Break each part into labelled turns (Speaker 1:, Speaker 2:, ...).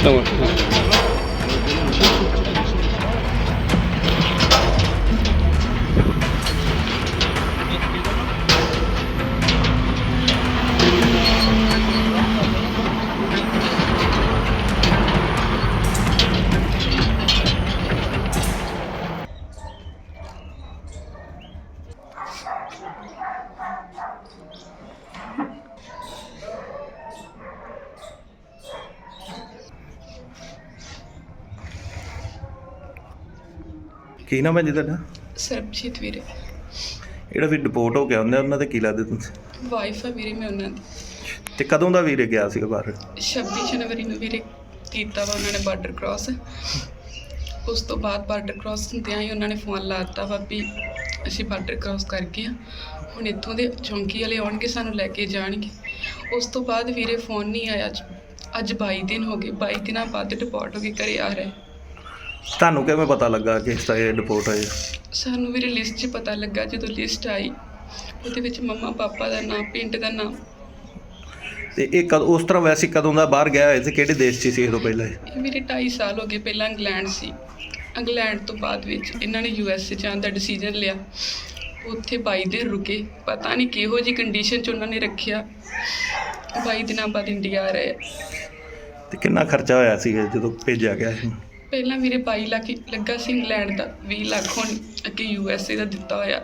Speaker 1: ਕੀ ਨਾਮ ਹੈ ਜੀ ਤੁਹਾਡਾ?
Speaker 2: ਸਰਬਜੀਤ ਵੀਰੇ।
Speaker 1: ਜਿਹੜਾ ਵੀ ਡਿਪੋਰਟ ਹੋ ਗਿਆ ਉਹਨਾਂ ਦੇ ਕੀ ਲੱਗਦੇ ਤੁਸੀਂ?
Speaker 2: ਵਾਈਫ ਆ ਵੀਰੇ ਮੈਂ ਉਹਨਾਂ ਦੀ।
Speaker 1: ਤੇ ਕਦੋਂ ਦਾ ਵੀਰੇ ਗਿਆ ਸੀਗਾ ਬਾਹਰ?
Speaker 2: 26 ਜਨਵਰੀ ਨੂੰ ਵੀਰੇ ਕੀਤਾ ਵਾ ਉਹਨਾਂ ਨੇ ਬਾਰਡਰ ਕ੍ਰਾਸ। ਉਸ ਤੋਂ ਬਾਅਦ ਬਾਰਡਰ ਕ੍ਰਾਸ ਹੁੰਦਿਆਂ ਹੀ ਉਹਨਾਂ ਨੇ ਫੋਨ ਲਾ ਦਿੱਤਾ ਵਾ ਵੀ ਅਸੀਂ ਬਾਰਡਰ ਕ੍ਰਾਸ ਕਰ ਗਏ ਹਾਂ, ਹੁਣ ਇੱਥੋਂ ਦੇ ਚੌਂਕੀ ਵਾਲੇ ਆਉਣਗੇ ਸਾਨੂੰ ਲੈ ਕੇ ਜਾਣਗੇ। ਉਸ ਤੋਂ ਬਾਅਦ ਵੀਰੇ ਫੋਨ ਨਹੀਂ ਆਇਆ। ਅੱਜ 22 ਦਿਨ ਹੋ ਗਏ, 22 ਦਿਨਾਂ ਬਾਅਦ ਡਿਪੋਰਟ ਹੋ ਕੇ ਘਰੇ ਆ ਰਹੇ।
Speaker 1: ਤੁਹਾਨੂੰ ਕਿਵੇਂ ਪਤਾ ਲੱਗਾ ਕਿ ਇਸ ਤਰ੍ਹਾਂ ਇਹ ਡਿਪੋਰਟ ਹੋਏ?
Speaker 2: ਸਾਨੂੰ ਵੀਰੇ ਲਿਸਟ 'ਚ ਪਤਾ ਲੱਗਾ, ਜਦੋਂ ਲਿਸਟ ਆਈ ਉਹਦੇ ਵਿੱਚ ਮੰਮਾ ਪਾਪਾ ਦਾ ਨਾਮ, ਪਿੰਡ ਦਾ ਨਾਮ।
Speaker 1: ਤੇ ਇਹ ਉਸ ਤਰ੍ਹਾਂ ਵੈਸੇ ਕਦੋਂ ਦਾ ਬਾਹਰ ਗਿਆ ਹੋਇਆ ਤੇ ਕਿਹੜੇ ਦੇਸ਼ 'ਚ ਸੀ ਇਹ ਤੋਂ ਪਹਿਲਾਂ?
Speaker 2: ਇਹ ਮੇਰੇ 2.5 ਸਾਲ ਹੋ ਗਏ। ਪਹਿਲਾਂ ਇੰਗਲੈਂਡ ਸੀ, ਇੰਗਲੈਂਡ ਤੋਂ ਬਾਅਦ ਵਿੱਚ ਇਹਨਾਂ ਨੇ USA ਜਾਣ ਦਾ ਡਿਸੀਜਨ ਲਿਆ। ਉੱਥੇ 22 ਦਿਨ ਰੁਕੇ, ਪਤਾ ਨਹੀਂ ਕਿਹੋ ਜਿਹੀ ਕੰਡੀਸ਼ਨ 'ਚ ਉਹਨਾਂ ਨੇ ਰੱਖਿਆ। 22 ਦਿਨਾਂ ਬਾਅਦ ਇੰਡੀਆ ਆ ਰਹੇ।
Speaker 1: ਤੇ ਕਿੰਨਾ ਖਰਚਾ ਹੋਇਆ ਸੀ ਜਦੋਂ ਭੇਜਿਆ ਗਿਆ ਸੀ?
Speaker 2: ਪਹਿਲਾਂ ਵੀਰੇ 22 ਲੱਖ ਲੱਗਾ ਸੀ ਇੰਗਲੈਂਡ ਦਾ, 20 ਲੱਖ ਹੁਣ ਅੱਗੇ USA ਦਾ ਦਿੱਤਾ ਹੋਇਆ।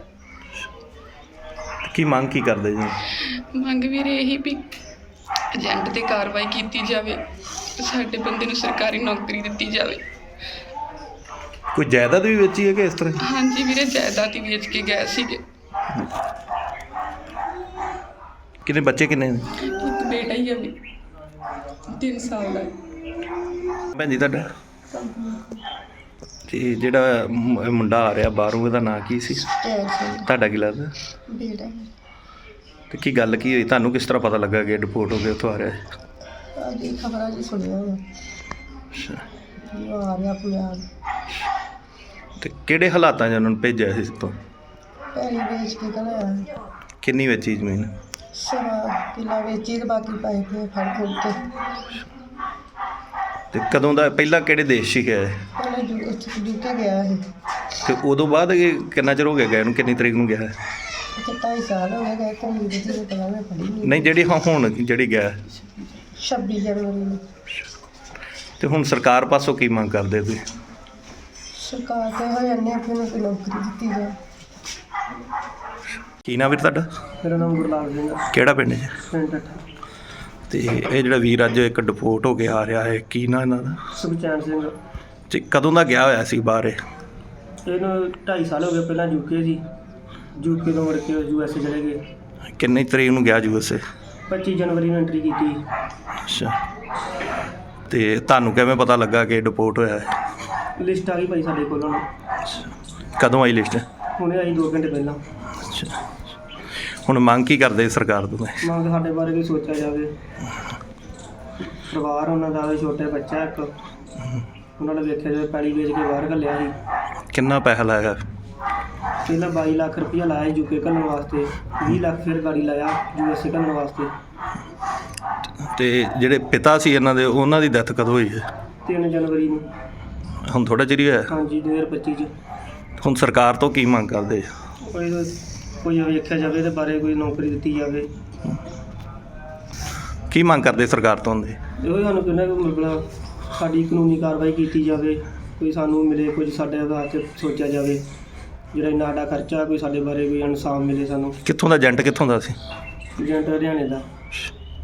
Speaker 1: ਕੀ ਮੰਗ ਕੀ ਕਰਦੇ ਜੀ?
Speaker 2: ਮੰਗ ਵੀਰੇ ਇਹੀ ਵੀ ਏਜੰਟ 'ਤੇ ਕਾਰਵਾਈ ਕੀਤੀ ਜਾਵੇ, ਸਾਡੇ ਬੰਦੇ ਨੂੰ ਸਰਕਾਰੀ ਨੌਕਰੀ ਦਿੱਤੀ ਜਾਵੇ।
Speaker 1: ਕੋਈ ਜਾਇਦਾਦ ਵੀ ਵੇਚੀ ਹੈ ਕਿ ਇਸ ਤਰ੍ਹਾਂ?
Speaker 2: ਹਾਂਜੀ ਵੀਰੇ, ਜਾਇਦਾਦ ਹੀ ਵੇਚ ਕੇ ਗਏ ਸੀਗੇ।
Speaker 1: ਕਿੰਨੇ ਬੱਚੇ ਕਿੰਨੇ ਨੇ?
Speaker 2: ਇੱਕ ਬੇਟਾ ਹੀ ਆ ਵੀ 3 ਸਾਲ ਦਾ।
Speaker 1: ਭੈਣ ਜੀ ਤੁਹਾਡਾ? ਤੇ ਜਿਹੜਾ ਮੁੰਡਾ ਆ ਰਿਹਾ ਬਾਹਰੋਂ, ਇਹਦਾ ਨਾਂ ਕੀ ਸੀ? ਤੁਹਾਡਾ ਕੀ ਲੱਗਦਾ?
Speaker 3: ਬੇਟਾ।
Speaker 1: ਤੇ ਕੀ ਗੱਲ ਕੀ ਹੋਈ? ਤੁਹਾਨੂੰ ਕਿਸ ਤਰ੍ਹਾਂ ਪਤਾ ਲੱਗਾ ਕਿ ਡਿਪੋਰਟ ਹੋ ਕੇ ਉੱਥੋਂ ਆ ਰਿਹਾ?
Speaker 3: ਅੱਜ ਖਬਰਾਂ 'ਚ ਸੁਣਿਆ ਵਾ
Speaker 1: ਅੱਛਾ।
Speaker 3: ਆ ਰਿਹਾ ਪੰਜਾਬ।
Speaker 1: ਤੇ ਕਿਹੜੇ ਹਾਲਾਤਾਂ 'ਚ ਉਹਨਾਂ ਨੂੰ ਭੇਜਿਆ ਸੀ ਇਸ ਤੋਂ?
Speaker 3: ਪੈਲੀ ਵੇਚ ਕੇ ਘਲਾਇਆ।
Speaker 1: ਕਿੰਨੀ ਵੇਚੀ ਜ਼ਮੀਨ?
Speaker 3: ਸਵਾ ਕਿੱਲਾ ਵੇਚੀ ਤੇ ਬਾਕੀ ਪੈਸੇ ਤੇ ਫੜ ਫੁੜ ਕੇ।
Speaker 1: ਤੇ ਕਦੋਂ ਦਾ? ਪਹਿਲਾਂ ਕਿਹੜੇ ਦੇਸ਼ 'ਚ ਗਿਆ?
Speaker 3: ਪਹਿਲਾਂ UK ਗਿਆ ਸੀ।
Speaker 1: ਤੇ ਉਦੋਂ ਬਾਅਦ ਕਿੰਨਾ ਚਿਰ ਹੋ ਗਿਆ ਗਏ ਨੂੰ? ਕਿੰਨੀ ਤਰੀਕ ਨੂੰ ਗਿਆ?
Speaker 3: ਇੱਥੇ 2.5 ਸਾਲ ਹੋ ਗਏ ਕਰੀਬ ਜਿਹਦੇ ਪਤਾ ਮੈਂ ਫੜੀ
Speaker 1: ਨਹੀਂ, ਜਿਹੜੀ ਹੁਣ ਜਿਹੜੀ ਗਿਆ
Speaker 3: 26 ਜਨਵਰੀ ਨੂੰ।
Speaker 1: ਤੇ ਹੁਣ ਸਰਕਾਰ ਪਾਸੋਂ ਕੀ ਮੰਗ ਕਰਦੇ ਤੁਸੀਂ?
Speaker 3: ਸਰਕਾਰ ਤੇ ਹੋ ਜਾਂਦੇ ਫਿਰ ਨੂੰ ਕੋਈ ਨੌਕਰੀ ਦਿੱਤੀ ਜਾਏ।
Speaker 1: ਕੀ ਨਾਮ ਵੀਰ ਤੁਹਾਡਾ?
Speaker 3: ਮੇਰਾ ਨਾਮ ਗੁਰਲਾਲ ਸਿੰਘ।
Speaker 1: ਕਿਹੜਾ ਪਿੰਡ ਹੈ?
Speaker 3: ਪਿੰਡ ਠੱਠਾ।
Speaker 1: ਤੇ ਇਹ ਜਿਹੜਾ ਵੀਰ ਅੱਜ ਇੱਕ ਡਿਪੋਰਟ ਹੋ ਕੇ ਆ ਰਿਹਾ ਹੈ, ਕੀ ਨਾਂ ਇਹਨਾਂ ਦਾ?
Speaker 3: ਸੁਖਚੈਨ ਸਿੰਘ।
Speaker 1: ਤੇ ਕਦੋਂ ਦਾ ਗਿਆ ਹੋਇਆ ਸੀ ਬਾਹਰ ਇਹ?
Speaker 3: ਇਹਨੂੰ 2.5 ਸਾਲ ਹੋ ਗਏ। ਪਹਿਲਾਂ UK ਸੀ, UK ਤੋਂ ਮੁੜ ਕੇ USA ਚਲੇ ਗਏ।
Speaker 1: ਕਿੰਨੀ ਤਰੀਕ ਨੂੰ ਗਿਆ USA?
Speaker 3: 25 ਜਨਵਰੀ ਨੂੰ ਐਂਟਰੀ ਕੀਤੀ।
Speaker 1: ਅੱਛਾ। ਤੇ ਤੁਹਾਨੂੰ ਕਿਵੇਂ ਪਤਾ ਲੱਗਾ ਕਿ ਡਿਪੋਰਟ ਹੋਇਆ ਹੈ?
Speaker 3: ਲਿਸਟ ਆ ਗਈ ਭਾਈ ਸਾਡੇ ਕੋਲ ਹੁਣ।
Speaker 1: ਕਦੋਂ ਆਈ ਲਿਸਟ?
Speaker 3: ਹੁਣੇ ਆਈ 2 ਘੰਟੇ ਪਹਿਲਾਂ।
Speaker 1: ਅੱਛਾ। ਹੁਣ ਮੰਗ ਕੀ ਕਰਦੇ ਸਰਕਾਰ ਤੋਂ?
Speaker 3: ਮੰਗ ਸਾਡੇ ਬਾਰੇ ਵੀ ਸੋਚਿਆ ਜਾਵੇ। ਪਰਿਵਾਰ ਉਹਨਾਂ ਦਾ ਵੀ, ਛੋਟੇ ਬੱਚਾ ਇੱਕ, ਉਹਨਾਂ ਨੇ ਵੇਖਿਆ ਜਾਵੇ। ਪੈਲੀ ਵੇਚ ਕੇ ਬਾਹਰ ਘੱਲਿਆ ਸੀ।
Speaker 1: ਕਿੰਨਾ ਪੈਸਾ ਲਾਇਆ?
Speaker 3: ਪਹਿਲਾਂ 22 ਲੱਖ ਰੁਪਈਆ ਲਾਇਆ UK ਘੱਲਣ ਵਾਸਤੇ, 20 ਲੱਖ ਫਿਰ ਗਾੜੀ ਲਾਇਆ USA ਘੱਲਣ ਵਾਸਤੇ।
Speaker 1: ਤੇ ਜਿਹੜੇ ਪਿਤਾ ਸੀ ਇਹਨਾਂ ਦੇ, ਉਹਨਾਂ ਦੀ ਡੈਥ ਕਦੋਂ ਹੋਈ ਹੈ?
Speaker 3: 3 ਜਨਵਰੀ ਨੂੰ।
Speaker 1: ਹੁਣ ਥੋੜ੍ਹਾ ਚਿਰ ਹੀ ਹੋਇਆ?
Speaker 3: ਹਾਂਜੀ, 2025 'ਚ।
Speaker 1: ਹੁਣ ਸਰਕਾਰ ਤੋਂ ਕੀ ਮੰਗ ਕਰਦੇ?
Speaker 3: ਕੋਈ ਵੇਖਿਆ ਜਾਵੇ ਇਹਦੇ ਬਾਰੇ, ਕੋਈ ਨੌਕਰੀ ਦਿੱਤੀ ਜਾਵੇ।
Speaker 1: ਕੀ ਮੰਗ ਕਰਦੇ ਸਰਕਾਰ ਤੋਂ ਹੁੰਦੇ?
Speaker 3: ਇਹੋ ਸਾਨੂੰ ਕਹਿੰਦਾ ਕਿ ਮਤਲਬ ਸਾਡੀ ਕਾਨੂੰਨੀ ਕਾਰਵਾਈ ਕੀਤੀ ਜਾਵੇ, ਕੋਈ ਸਾਨੂੰ ਮਿਲੇ, ਕੁਝ ਸਾਡੇ ਵਾਸਤੇ ਸੋਚਿਆ ਜਾਵੇ। ਜਿਹੜਾ ਇੰਨਾ ਸਾਡਾ ਖਰਚਾ, ਕੋਈ ਸਾਡੇ ਬਾਰੇ ਕੋਈ ਇਨਸਾਫ ਮਿਲੇ ਸਾਨੂੰ।
Speaker 1: ਕਿੱਥੋਂ ਦਾ ਏਜੰਟ? ਕਿੱਥੋਂ ਦਾ ਸੀ
Speaker 3: ਏਜੰਟ? ਹਰਿਆਣੇ ਦਾ।